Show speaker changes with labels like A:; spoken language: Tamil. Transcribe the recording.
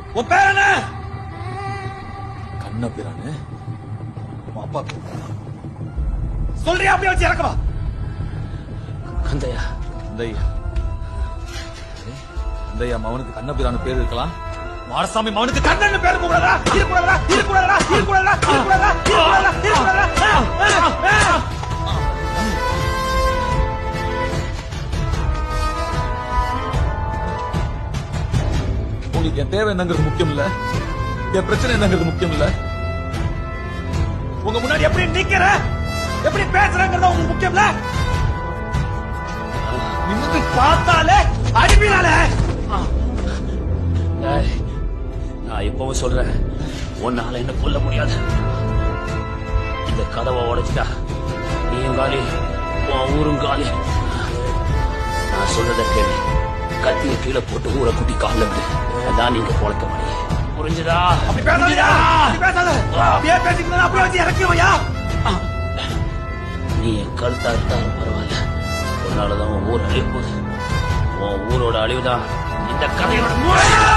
A: உன் பேர் என்ன? கண்ண பேரானு உன் அப்பா பேர் சொல்றியா? அப்படியே வச்சு இறக்கவா?
B: கந்தையா.
A: கந்தையா கந்தையா மவனுக்கு கண்ண பேரான பேர் இருக்கலாம். மாரசாமி மவனுக்கு கண்ணன் பேர் கூடாதா? இருக்கக்கூடாதா? இருக்கக்கூடாதா? இருக்கக்கூடாதா? இருக்கக்கூடாதா? இருக்கக்கூடாதா? இருக்கக்கூடாதா? உங்களுக்கு என் தேவை என்னங்கிறது முக்கியம் இல்ல, என் பிரச்சனை என்னங்கிறது முக்கியம் இல்ல. உங்க முன்னாடி எப்படி நிக்கிற, எப்படி பேசுறங்கிறது உங்களுக்கு முக்கியம் இல்ல. நிமிந்து பார்த்தாலே அடிப்பீனாலே.
B: நான் இப்பவும் சொல்றேன், உன்னால என்ன கொல்ல முடியாது. இந்த கதவை உடைச்சிட்டா நீயும் காலி, உன் ஊரும் காலி. நான் சொல்றத கேளு. கத்திய கீழே போட்டு ஊரை குட்டி கால விடு. அதான் நீங்க பொழைக்க முடியும். புரிஞ்சுதா?
A: அப்படி பேசாதயா, அப்படி பேசாத. அப்படியே பேசிக்கிட்டு அப்படியே வச்சு இறக்கிடுவையா?
B: நீ என் கருத்தா இருந்தாலும் பரவாயில்ல. உன்னாலதான் உன் ஊர் அழிய போகுது. உன் ஊரோட அழிவுதான் இந்த கதையோட